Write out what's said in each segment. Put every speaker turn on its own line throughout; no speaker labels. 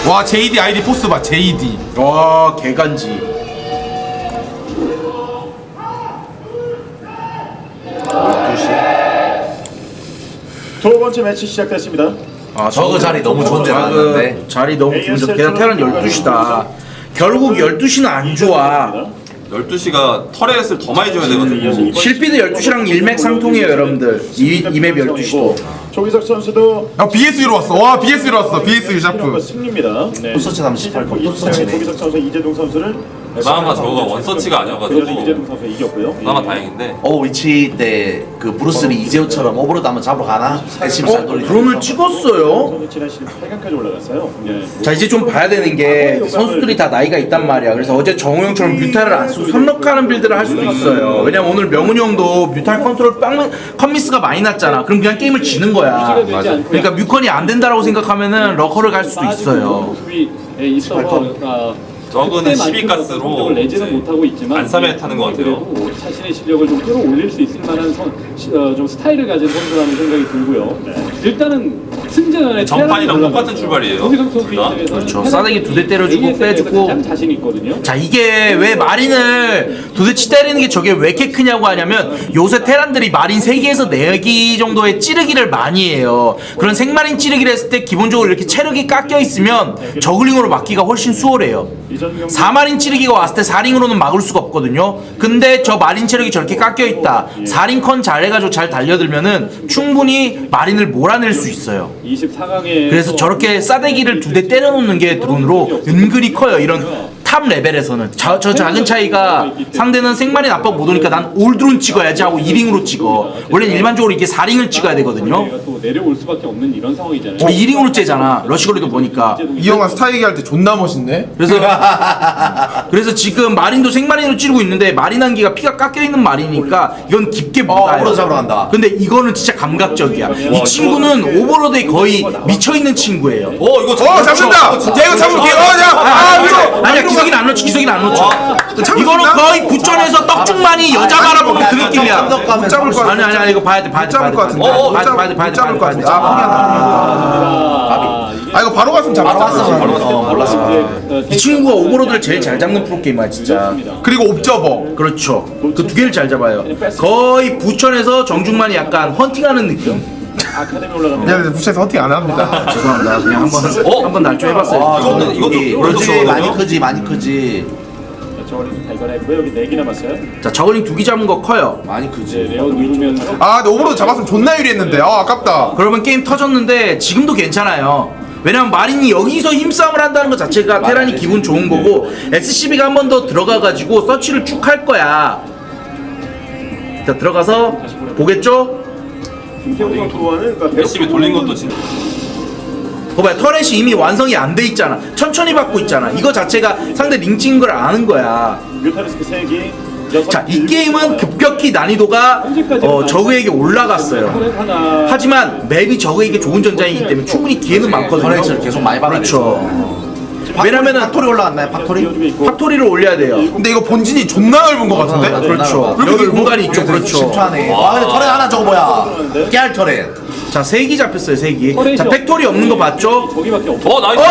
와 JD 아이디 포스 봐 JD.
와 개간지.
12시. 두 번째 매치 시작됐습니다.
아
저거 자리 너무 좋은 데 나왔는데.
자리 너무 좋은데 게다가 테란 12시다. 결국 12시는 안 좋아.
12시가 터렛을 더 많이 줘야 되거든요.
실비드 12시랑 일맥상통이에요 여러분들. 이맵 12시도.
조기석 선수도
야 BSU로 왔어. 와 BSU로 왔어. BSU 샤프.
승리입니다. 네.
포스치 38건 포스치네.
조기석 선수, 이재동 선수를
그나마 저거가 원서치가 아니어가지고
이재동 선수 이겼고요.
그나마 다행인데.
위치 때 그 브루스리 이재호처럼 오버로드 한번 잡으러 가나? SCB 잘 돌리죠.
드론을 찍었어요.
선수 지난 시즌 8강까지 올라갔어요. 네.
자 이제 좀 봐야 되는 게 선수들이 다 나이가 있단 말이야. 그래서 어제 정우 형처럼 뮤탈을 안 쓰고 선럭하는 빌드를 할 수도 있어요. 왜냐면 오늘 명훈이 형도 뮤탈 컨트롤 컴미스가 많이 났잖아. 그럼 그냥 게임을 지는 거야. 그러니까 뮤컨이 안 된다라고 생각하면은 러커를 갈 수도 있어요.
저거는 12가스로
내지는 못하고 있지만
안삼에 타는 것 같아요.
그래도 자신의 실력을 좀 끌어올릴 수 있을 만한 좀 스타일을 가진 선수라는 생각이 들고요. 일단은 승자전에
전판이랑 똑같은 출발이에요.
그렇죠. 싸대기 2대 때려주고 빼주고.
가장 자신 있거든요.
자 이게 왜 마린을 도대체 때리는 게 저게 왜 이렇게 크냐고 하냐면 요새 테란들이 마린 3개에서 4개 정도의 찌르기를 많이 해요. 그런 생마린 찌르기를 했을 때 기본적으로 이렇게 체력이 깎여 있으면 저글링으로 막기가 훨씬 수월해요. 4마린 찌르기가 왔을 때 4링으로는 막을 수가 없거든요. 근데 저 마린 체력이 저렇게 깎여 있다. 4링 컨 잘해가지고 잘 달려들면은 충분히 마린을 몰아낼 수 있어요.
24강에
그래서 저렇게 싸대기를 2대 때려놓는 게 드론으로 은근히 커요. 이런 탑 레벨에서는 저 작은 차이가 상대는 생마린 압박 못 오니까 난 올드론 찍어야지 하고 2링으로 찍어. 원래는 일반적으로 이게 4링을 찍어야 되거든요.
또 내려올 수밖에 없는 이런 상황이잖아요.
우리 2링으로 째잖아. 러시거리도 보니까.
이 형아 스타 얘기할 때 존나 멋있네.
그래서 지금 마린도 생마린으로 찌르고 있는데 마린 한기가 피가 깎여 있는 마린이니까 이건 깊게 못 가요.
오버로드 잡으러 간다.
근데 이거는 진짜 감각적이야. 이 친구는 오버로드에 거의 미쳐 있는 친구예요.
이거
잡는다. 야 이거 잡을게. 야.
아니야 기석이는 안 놓치. 기석이는 안 놓쳐. 이거는 거의 부천에서 떡죽만이 여자 바라보는 그 느낌이야.
못 잡을 거 같아.
아니 이거 봐야 돼.
못 잡을 것 같은데. 못 잡을 것 같은데. 아 이거 바로 갔으면
바로
잡았잖아.
왔어. 몰랐어.
이 친구가 오버로드를 제일 잘 잡는 프로게이머야 진짜.
그리고 옵저버.
그렇죠. 그 2개를 잘 잡아요. 거의 부천에서 정중만이 약간 헌팅하는 느낌.
아카데미 올라가면
야 부채에서 헌팅 안 합니다.
죄송합니다. 그냥 한번 날조해봤어요.
이것도 많이 크지 많이 크지.
저걸링 발견했고요. 여기 4개 남았어요.
자 저글링 2개 잡은 거 커요.
많이 크지.
레어 누르면서
아 근데 오버로드 잡았으면 존나 유리했는데. 아깝다.
그러면 게임 터졌는데 지금도 괜찮아요. 왜냐면 마린이 여기서 힘싸움을 한다는 것 자체가 테란이 기분 좋은 거고 SCB가 한 번 더 들어가가지고 서치를 쭉 할 거야. 자 들어가서 보겠죠?
김태훈 선수와는
SCB 돌린 것도 진짜.
봐봐요. 터렛이 이미 완성이 안 돼 있잖아. 천천히 받고 있잖아. 이거 자체가 상대 링 찍은 걸 아는 거야.
뮤타리스크 3개.
자 이 게임은 급격히 난이도가 저그에게 올라갔어요.
하나
하지만 맵이 저그에게 좋은 전장이기 때문에 충분히 기회는 많거든요.
터렛을 계속 많이 받아냈어.
그렇죠. 왜냐면은
팩토리 올라갔나요? 팩토리?
factory를 올려야 돼요.
근데 이거 본진이 존나 넓은 것 같은데?
그렇죠. 여기 공간이 있죠. 그렇죠.
10초 안에. 와 근데 터렛 하나 저거 뭐야? 깨알 터렛.
자 3기 잡혔어요. 3기. 자 팩토리 없는 거 봤죠?
저기밖에 없어.
나이스.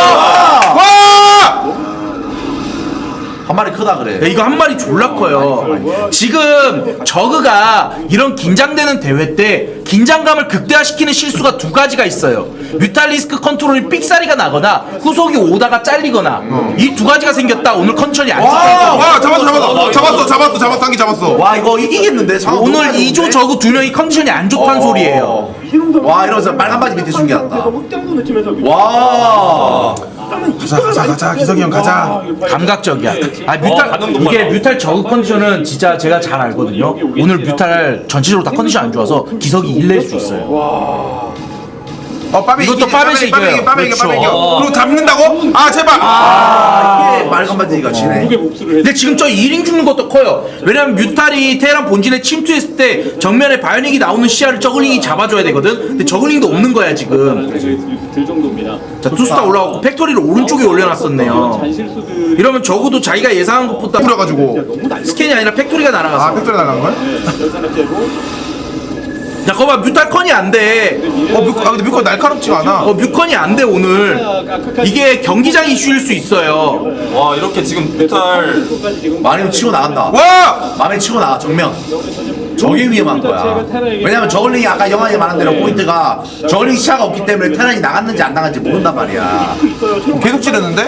와!
한 마리 크다
야,
그래.
이거 한 마리 졸라 커요. 지금 저그가 이런 긴장되는 대회 때 긴장감을 극대화시키는 실수가 2가지가 있어요. 뮤탈리스크 컨트롤이 삑사리가 나거나 후속이 오다가 잘리거나 이 2가지가 생겼다. 오늘 컨디션이 안 좋아서
와 잡았어. 한기 잡았어.
와 이거 이기겠는데?
오늘 2조 저그 2명이 컨디션이 안 좋다는 소리예요.
와 이러면서 빨간 바지 밑에 숨겨놨다.
흑당도 느낌에서
와.
가자 기석이 형 가자.
감각적이야. 아 이게 뮤탈 저그 컨디션은 진짜 제가 잘 알거든요. 오늘 뮤탈 전체적으로 다 컨디션 안 좋아서 기석이 1낼 수 있어요.
빠베
이것도 빠베시 이겨요.
빠베
그렇죠.
이겨. 그리고 잡는다고? 아 제발.
이게 빨간 바지가 지네.
무게 복수를
근데 지금 저 1인 죽는 것도 커요. 왜냐면 뮤탈이 테란 본진에 침투했을 때 정면에 바이오닉이 나오는 시야를 저글링이 잡아줘야 되거든. 근데 저글링도 없는 거야 지금.
들 정도입니다.
자 투스타 올라왔고 팩토리를 오른쪽에 올려놨었네요.
잔실수들
이러면 적어도 자기가 예상한 것보다
뿌려가지고.
스캔이 아니라 팩토리가 날아갔어.
아 팩토리 나간 거야?
열산을 깨고
자, 거봐 뮤탈컨이 안 돼.
근데 뮤컨 날카롭지가 않아.
뮤컨이 안 돼 오늘. 이게 경기장 이슈일 수 있어요.
와 이렇게 지금 뮤탈
마리오 치고 나간다.
와!
맘에 치고 나가 정면. 저게 위험한 거야. 왜냐면 저글링이 아까 영화에 말한 대로 포인트가 저글링 시야가 없기 때문에 테란이 나갔는지 안 나갔는지 모른단 말이야.
계속 찌르는데?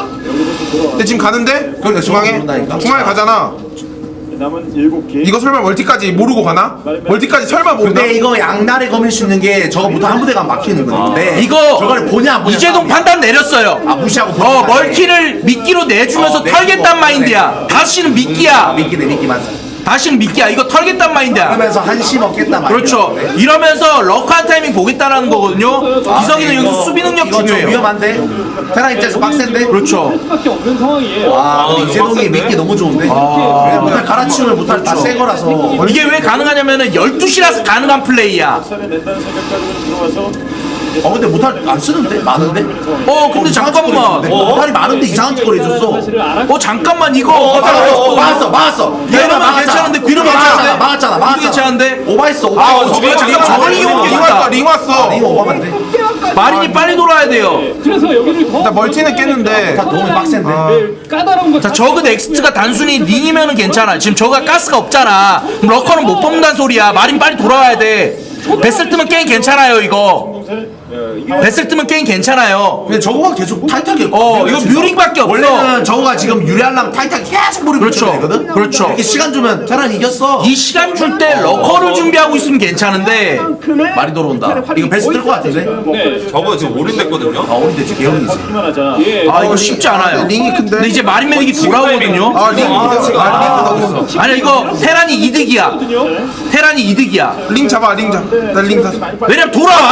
근데 지금 가는데?
그러니까
중앙에?
모른다니까.
중앙에 가잖아.
남은 7개.
이거 설마 멀티까지 모르고 가나? 멀티까지 설마 모른다?
근데 이거 양날에 거밀 수 있는 게 저거부터 한 부대가 막히는 건데
이거
저거를 보냐 안 보냐
이재동
싸움이야.
판단 내렸어요.
아 무시하고 보는 거야.
멀티를 미끼로 내주면서
내주고.
털겠단 마인드야. 다시는 미끼야.
미끼네 미끼만.
다시는 미끼야. 이거 털겠단 마인드야.
그러면서 한시 먹겠단 말이야.
그렇죠. 이러면서 럭한 타이밍 보겠다라는 거거든요. 기석이는 여기서 수비 능력
이거 좀
중요해요.
위험한데? 테란 입장에서 빡센데?
그렇죠.
수밖에 없는 상황이에요.
와 근데
이거
이재동이
빡센데?
미끼 너무 좋은데? 왜냐면 못할 갈아치우면 못할 다새 거라서
이게 왜 가능하냐면은 12시라서 가능한 플레이야.
살을 낸다는 생각까지 들어와서
근데 못할 안 쓰는데? 많은데?
근데 잠깐만.
못할이 많은데 이상한 짓거리 해줬어.
사실을 알았고
잠깐만 이거.
막았어.
이러면 괜찮은데,
뒤로
괜찮은데?
막았잖아.
이거 괜찮은데?
오바했어.
저거 잠깐만 링 왔어 링 왔어.
이거 오바면 돼.
마린이 빨리 돌아야 돼요.
그래서 여기를 더
나 멀티는 깼는데.
다 도움이 빡센데.
까다로운 거.
자, 저그 넥스트가 단순히 링이면은 괜찮아. 지금 저가 가스가 없잖아. 그럼 러커는 못 뽑는다는 소리야. 마린 빨리 돌아와야 돼. 베슬 뜨면 게임 괜찮아요 이거. 베슬 뜨면 게임 괜찮아요.
근데 저거가 계속 타이트하게
이거 뮤링밖에 없어.
원래는 저거가 지금 유리하려면 타이트하게 계속 머리
그렇죠.
붙여야 되거든?
그렇죠.
이렇게 시간 주면 테란 이겼어.
이 시간 줄 때 러커를 준비하고 있으면 괜찮은데.
말이 돌아온다. 이거 베스트 뜰것 같은데?
네.
저거 지금 올인됐거든요.
우리 대체 개형이지.
걷기만 하자.
예.
이거 쉽지 않아요.
링이 큰데?
근데 이제 마린 매직이 돌아오거든요.
링 너무 있어.
아니 이거 테란이 이득이야. 테란이 이득이야.
링 잡아 링 잡아. 나링 잡아.
왜냐면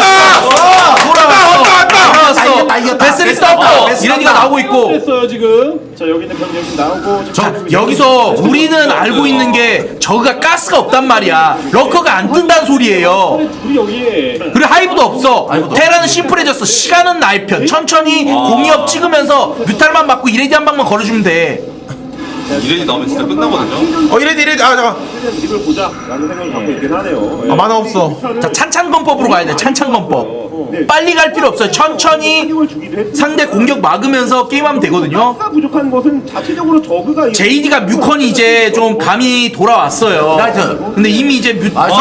돌아왔어.
이겼다.
베슬이
베슬
떴고
떴다. 베슬
이레디가
떴다.
나오고 있고.
됐어요 지금. 자 여기 있는 병력이 나오고.
자, 여기서 우리는 알고 있는 게 저그가 가스가 없단 말이야. 러커가 안 뜬다는 소리예요.
우리 여기에
그리고 하이브도 없어. 테라는 심플해졌어. 시간은 나의 편. 천천히 공이업 찍으면서 뮤탈만 맞고 이레디 한 방만 걸어주면 돼.
이레디 나오면 진짜 끝나거든요.
이래 잠깐.
이걸 보자라는 생각을 갖고 있긴 하네요.
만화 없어.
자, 찬찬검법으로 가야 돼. 찬찬검법. 빨리 갈 필요 없어요. 천천히 상대 공격 막으면서 게임하면 되거든요.
가 부족한 것은 자체적으로 저그가
JD가 뮤컨이 이제 좀 감이 돌아왔어요.
라이트.
근데 이미 이제 뮤.
나이스.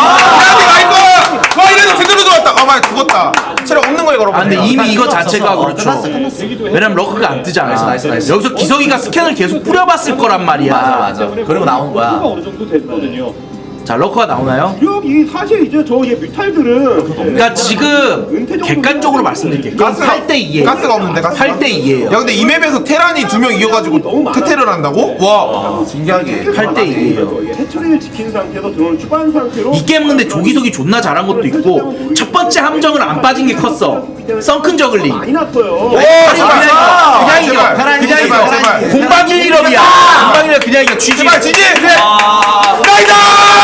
와 이래도 제대로 들어왔다. 말 죽었다. 체력 없는 거에 걸어.
근데 이미 이거 자체가 그렇죠.
끝났어.
왜냐면 러커가 안 뜨잖아.
나이스.
여기서 기석이가 스캔을 계속 뿌려봤을 거란 말이야.
맞아. 그리고 나온 거야.
어느 정도 됐거든요.
자, 러커가 나오나요?
여기 사실 이제 저 뮤탈들은
그러니까 지금 객관적으로 말씀드릴게요. 8대 2예요.
가스가 없는데 가스가?
8대 2예요.
야 근데 이 맵에서 테란이 2명 이겨가지고 테테를 한다고? 와.
신기하게.
8대 2예요.
해처리를 지킨 상태에서 들어온 추가한 상태로
이 게임은 근데 조기석이 존나 잘한 것도 있고 첫 번째 함정을 안 빠진 게 컸어. 썬큰 저글링.
많이 났어요.
그냥 이겨.
제발.
그냥 이겨.
제발.
공방 1, 1업이야. 공방 1, 1업 그냥 이겨. 쥐지.
제발 지지.
나이다!